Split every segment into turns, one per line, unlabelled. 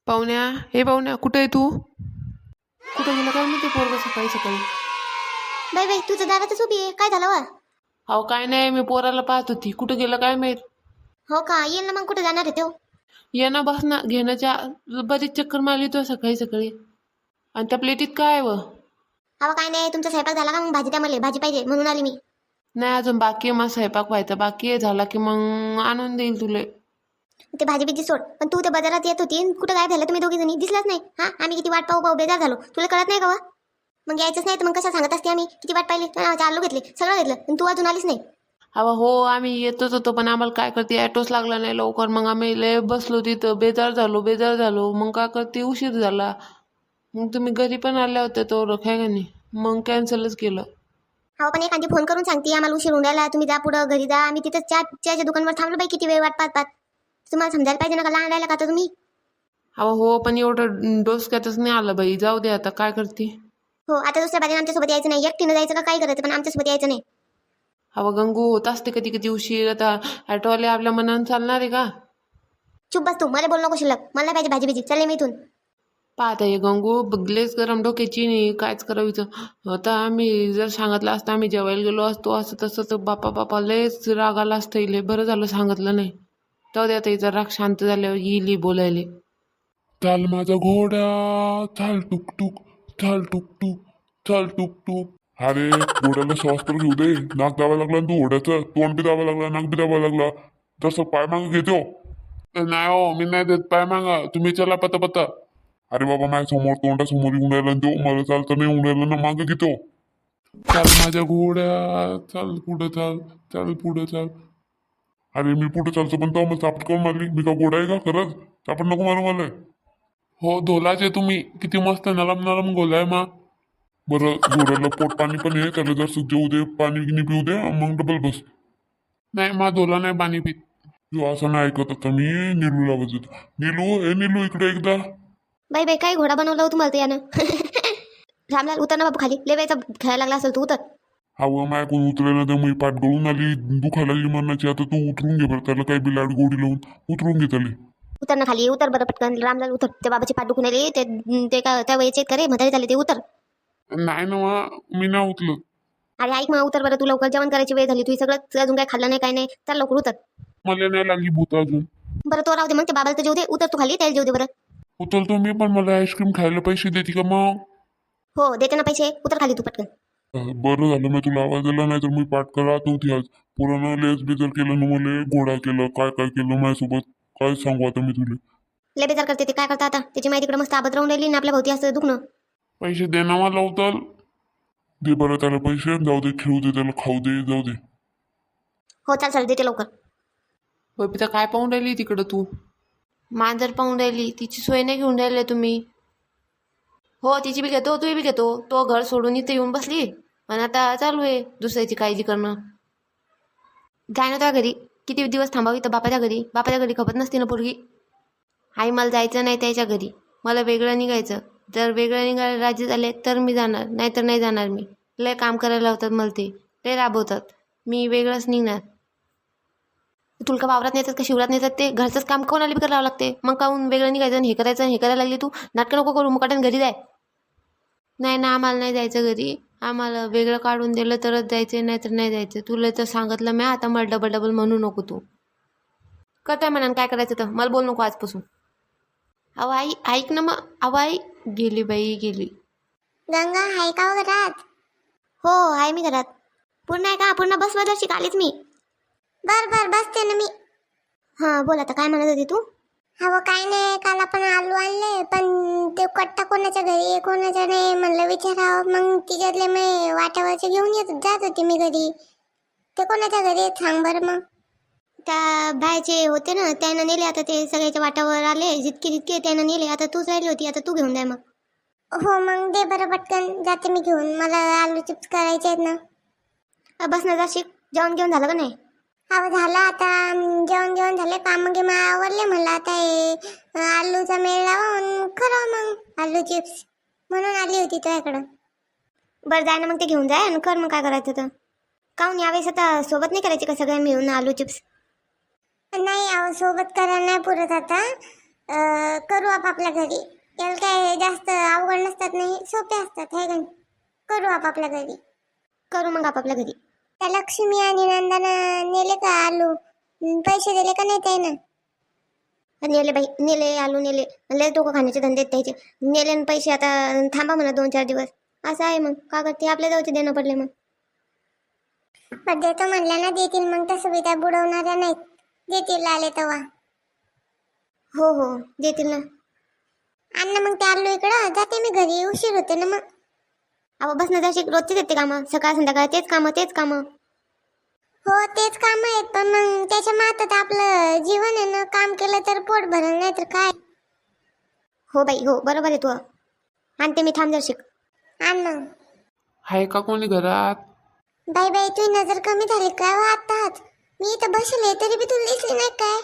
पाहुण्या, हे पाहुण्या, कुठे आहे तू? कुठं गेलं काय म्हणते पोरगं सकाळी सकाळी?
बाई बाई तुझं दारातच उभी आहे, काय झालं वा?
अहो काय नाही, मी पोराला पाहत होती. कुठं गेलं काय माहीत.
हो का, येईल ना मग, कुठे जाणार आहे तो?
ये ना बस ना, घेण्याच्या बरीच चक्कर मारली तो सकाळी सकाळी. आणि त्या प्लेटीत काय आहे व?
हवा काय नाही, तुमचा स्वयंपाक झाला का? मग भाजी द्या, मला भाजी पाहिजे म्हणून आली मी.
नाही अजून बाकी आहे, माझा स्वयंपाक व्हायचा बाकी आहे. झाला की मग आणून देईल तुले.
ते भाजी बिजी सोड, पण तू त्या बाजारात येत होती, कुठं काय झालं? तुम्ही दोघी जणी दिसलाच नाही. हा, आम्ही किती वाट पाहू पाहू बेजार झालो, तुला कळत नाही का वा? मग यायचंच नाही तर मग कसं सांगत असते? आम्ही किती वाट पाहिली, आलू घेतले, सगळं घेतलं, पण तू अजून आलीच नाही.
अहो हो, आम्ही येतच होतो, पण आम्हाला काय करते, ॲटोच लागला नाही लवकर. मग आम्ही लय बसलो तिथं, बेजार झालो. मग काय करते, उशीर झाला. मग तुम्ही घरी पण आल्या होत्या तो काय का नाही, मग कॅन्सलच केलं.
हो, पण एखादी फोन करून सांगते आम्हाला उशीर होऊन राहिला, तुम्ही जा पुढं घरी जा. आम्ही तिथं चहाच्या दुकानावर थांबलो बाई, किती वेळ वाट पाहत पाहत. तुम्हाला समजायला पाहिजे ना, का लहान राहिला का आता तुम्ही?
अहो हो, पण एवढं डोसक्यातच नाही आलं बाई. जाऊ दे आता, काय करते.
हो, आता दुसऱ्या बाजूने आमच्यासोबत यायचं नाही, एकटीनं जायचं का काय करायचं, पण आमच्यासोबत यायचं नाही.
अहो गंगू, होत असते कधी कधी उशीर. आता ॲटोवाले आपल्या मनानं चालणार आहे का?
चुप बस तू, मला बोल नको शिल्लक. मला नाही पाहिजे भाजी बिजी, चालले मी इथून.
पाहता ये गंगू, बघलेच गरम डोक्याची नाही, कायच करायचं. आता आम्ही जर सांगितलं असतं, आम्ही जेवायला गेलो असतो असं तसं, तर बापा लयच राग आला असतं इले. बरं झालं सांगितलं नाही. जाऊ दे आता, हिचा राग शांत झाल्यावर येईल बोलायले.
चाल माझा घोडा, चाल टुकटुक, चाल टुकटुक, चाल टुकटुक. अरे घोड्याला श्वास तर घेऊ दे. नाक दाबा लागला ना तू घोड्याचं, तोंड बी दाबा लागला, नाक बी दाबा लागला. तसं पाय मागं घेतो. नाही हो, मी नाही देत पाय मागा, तुम्ही चला पता पता. अरे बाबा, माझ्या समोर तोंडासमोर येऊन राहिला ना तो, मला चालतं नाही येऊन राहिलं ना, मागं घेतो. चाल माझ्या घोड्या, चाल पुढं चाल, चाल पुढं चाल. अरे मी पुढे चालतो, पण तो मला चापट काऊन मारली? मी का घोडा आहे का खरंच? चापट नको मारू मला. हो, धोलाचे तुम्ही, किती मस्त नरम नरम गोलाय मा. बरं, घोड्याला पोट पाणी पण आहे, त्याला जर जेऊ दे, पाणी गिनी पिऊ दे, मग डबल बस. नाही मा, धोला नाही पाणी पित. तू असं नाही ऐकत आता, मी नीलूला आवाज देतो. नीलू, ए नीलू, इकडे एकदा.
बाई बाई, काय घोडा बनवला हो तुम्हाला ते यानं? रामलाल उतर ना बाबू खाली, लय वेळचा खेळायला लागला असेल तू, उतर.
हवं माय कोण उतरायला तर मी पाठ गळून आली, दुखायला लागली मरणाची. आता तू उतरून घे बरं, त्याला काही बी लाड गोडी लावून उतरून घे त्याला.
उतर ना खाली, उतर बरं पटकन. रामलाल उतर, त्या बाबाची पाठ दुखून आली, ते काय त्या वयाचे करे म्हातारे झाले, ते उतर.
नाही ना मा, मी नाही उतरत.
अरे ऐक मग, उतर बरं, तू लवकर, जेवण करायची वेळ झाली, तू सगळं अजून काय खाल्लं नाही, काय नाही, चल लवकर उतर.
मला नाही लागली भूत अजून.
बरं तो राहू दे, मग त्या बाबाला तर जेऊ दे, उतर तू खाली, त्याला जेऊ दे बरं.
उतरतो मी, पण मला आईस्क्रीम खायला पैसे देते का मग?
हो देते ना पैसे, उतर खाली तू पटकन.
बरं झालं मी तुला आवाज दिला, नाही तर मी पाठ करत होती आज. पुरानं लेस बेजर केलं ना, मला घोडा केलं, काय काय केलं माझ्यासोबत, काय सांगू आता मी तुला.
लय बेजार करते ते, काय करता आता? त्याची माहिती इकडे मस्त आबत राहून राहिली ना, आपल्या भोवती असं दुखणं.
पैसे दे ना मला उतर. दे बरं त्याला पैसे, जाऊ दे, खेळू दे त्याला, खाऊ दे, जाऊ दे.
हो चाल चाल, देते लवकर.
बबिता, काय पाहून राहिली तिकडं तू? मांजर पाहून राहिली, तिची सोय नाही घेऊन राहिले तुम्ही? हो, तिची बी घेतो, तू बी घेतो. तो घर सोडून इथं येऊन बसली आणि आता चालू आहे दुसऱ्याची काळजी करणं. जाय ना त्या घरी, किती दिवस थांबावी तर बापाच्या घरी खपत नसते ना पोरगी. आई मला जायचं नाही त्याच्या घरी, मला वेगळं निघायचं. जर वेगळं निघायला राजी झाले तर मी जाणार, नाहीतर नाही जाणार. मी लय काम करायला लावतात मला, ते लय राबवतात. मी वेगळंच निघणार. तुला का वावरात नेतात का शिवरात नेतात? ते घरचंच काम कोण आली बी करावं लागते. मग काहून वेगळं निघायचं आणि हे करायचं आणि हे करायला लागली तू? नाटकं नको करू, मुकाट्यानं घरी जाय. नाही ना, आम्हाला नाही जायचं घरी. आम्हाला वेगळं काढून दिलं तरच जायचं, नाही तर नाही जायचं. तुला तर सांगितलं मी, आता मला डबल डबल म्हणू नको तू. करताय म्हणा, काय करायचं तर मला बोल नको आजपासून. अहो आई, ऐक ना मग. अहो आई, गेली बाई गेली.
गंगा आहे का घरात? हो आहे मी घरात. पूर्ण आहे का? पूर्ण बस बदलशी आलीच मी. बर बर बसते ना मी. हां बोल, आता काय म्हणत होती तू? हो काय नाही, काल आपण आलू आणले, पण ते कट्टा कोणाच्या घरी आहे कोणाच्या नाही म्हणलं विचारावं. मग तिच्यातले मी वाट्यावरचे घेऊन जात होते मी घरी. ते कोणाच्या घरी आहेत सांग बरं मग. त्या बायचे होते ना, त्यानं नेले. आता ते सगळ्याच्या वाटावर आले, जितके त्यानं नेले. आता तूच राहिली होती, आता तू घेऊन जाय मग. हो मग दे बरं पटकन, जाते मी घेऊन. मला आलू चिप्स करायचे आहेत ना. बस ना, जाशील. जेवण घेऊन झालं का नाही? हो झालं, आता जेवण झाले, काम गे आवरले. म्हणलं आता हे आलूचा मेळ लावून खरं मग आलू चिप्स म्हणून आली होती तुझ्याकडं. बरं जाय ना मग, ते घेऊन जाय आणि कर मग काय करायचं तर. काहून यावेळेस आता सोबत नाही करायचे का सगळ्या मिळून आलू चिप्स? नाही अहो, सोबत करायला नाही पुरत आता. करू आपापल्या घरी. याला काय जास्त अवघड नसतात, नाही सोपे असतात है का नाही? करू आपापल्या घरी.
करू मग आपापल्या घरी.
त्या लक्ष्मी आणि नंदानं नेले का आलू? पैसे दिले का नाही ते ना?
नेले बाई, नेले आलू नेले. लय डोकं खाण्याचे धंदे आहेत त्याचे. नेले आणि पैसे आता थांबा म्हणा 2-4 दिवस. असं आहे मग का करते, आपल्या जवळचे देणं पडले मग.
पण देतो म्हणल्या ना देतील, मग तसं बी त्या बुडवणाऱ्या नाहीत, देतील आले तेव्हा.
हो हो देतील ना.
अण्णा मग ते आलू इकडं, जाते मी घरी, उशीर होते ना मग.
अहो बस ना जशी रोजचीच येते कामं, सकाळ संध्याकाळ तेच कामं.
हो तेच काम आहेत, पण मग त्याच्या मातात आपलं जीवन आहे ना. काम केलं तर पोट भरलं, नाही तर काय.
हो बाई हो, बरोबर आहे तू. आणते मी, थांब जरशीक.
आण मग.
आहे का कोणी घरात?
बाई बाई, तुझी नजर कमी झाली काय हो आत्ताच? मी इथं बसले तरी बी तुला दिसली नाही काय?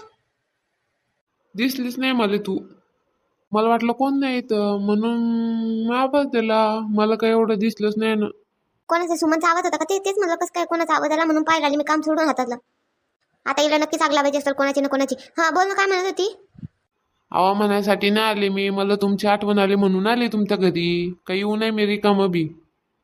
दिसलीच नाही मला तू. मला वाटलं कोण नाही इथं म्हणून मी आवाज दिला. मला काही एवढं दिसलंच नाही ना.
कोणाचा सुमनचा आवाज होता का? तेच म्हणलं कसं काय कोणाचा आवाज आला म्हणून पाहिला. मी काम सोडून हातातलं. आता हिला नक्कीच आग लावायची असेल कोणाची ना कोणाची. हा बोल ना, काय म्हणत होती?
आवा म्हणायसाठी नाही आले मी, मला तुमची आठवण आली म्हणून आले तुमच्या घरी. काही येऊ नाही मी रिकामं बी.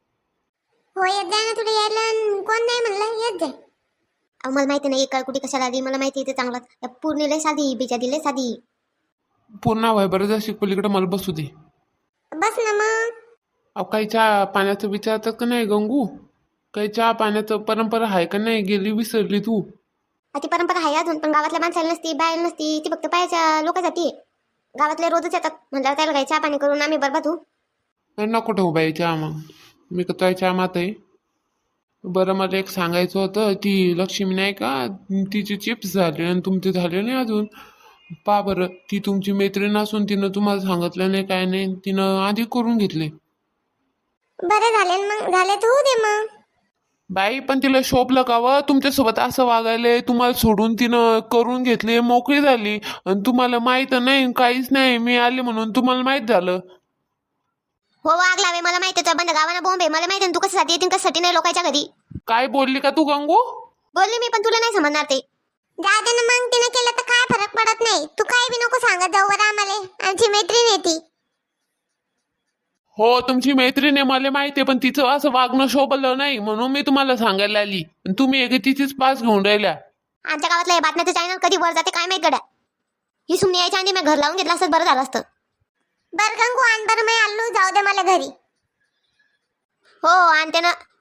हो येत जाय ना, तुला यायला कोण नाही म्हणलं, येत जाय.
अहो मला माहिती नाही काल कुठे कशाला आली, मला माहिती आहे ते चांगलं. त्या पूर्णिला साधी बिजा दिले साधी.
पूर्ण व्हाय बरं जा पलीकडे, मला बसू दे.
बस ना मग.
अहो काही चहा पाण्याचं विचारतात का नाही गंगू? काही चहा पाण्याचं परंपरा आहे का नाही? गेली विसरली तू.
ती परंपरा आहे अजून, पण गावातल्या माणसाला नसती, बाहेर नसती. ती फक्त पायाच्या लोकांसाठी आहे. गावातले रोजच येतात म्हणल्यावर त्याला काही चहा पाणी करून आम्ही बरबाद होऊ.
नको ठेवू बाई चहा, मग मी का तुझ्या चहा मात आहे. बरं मला एक सांगायचं होतं, ती लक्ष्मी नाही का, तिचे चिप्स झाले आणि तुमचे झाले नाही अजून. पा बरं, ती तुमची मैत्रीण असून तिनं तुम्हाला सांगितलं नाही काय नाही, तिनं आधी करून घेतले.
बरं झाले ना मग, झाले तर होऊ दे मग.
बाई पण तिला शोभलं का व तुमच्यासोबत असं वागायले? तुम्हाला सोडून तिनं करून घेतले, मोकळी झाली आणि तुम्हाला माहित नाही काहीच नाही. मी आले म्हणून तुम्हाला माहित झालं.
हो आग लावे, मला माहिती आहे. बंद गावाना बॉम्ब आहे, मला माहिती आहे. तू कशासाठी येतील कशासाठी नाही लोकांच्या घरी.
काय बोलली का तू गंगू?
बोलली मी, पण तुला नाही समजणार ते.
जाऊ दे ना मग, तिनं केलं तर काय फरक पडत नाही. तू काय बी नको सांगत जाऊ बरं आम्हाला, आमची मैत्रीण आहे ती.
हो तुमची मैत्रीण आहे मला माहिती आहे, पण तिचं असं वागणं शोभलं नाही म्हणून मी तुम्हाला सांगायला आली. आणि तुम्ही एक तिचीच पास घेऊन राहिल्या.
आमच्या गावातलं हे बातम्याचं चॅनल कधी वर जाते काय माहित गड्या. ही सुमनी यायच्या आधी मी घर लावून घेतलं असतं बरं झालं असतं.
बरं गंगू आण बरं, मी आलो, जाऊ दे मला घरी.
हो आणते ना.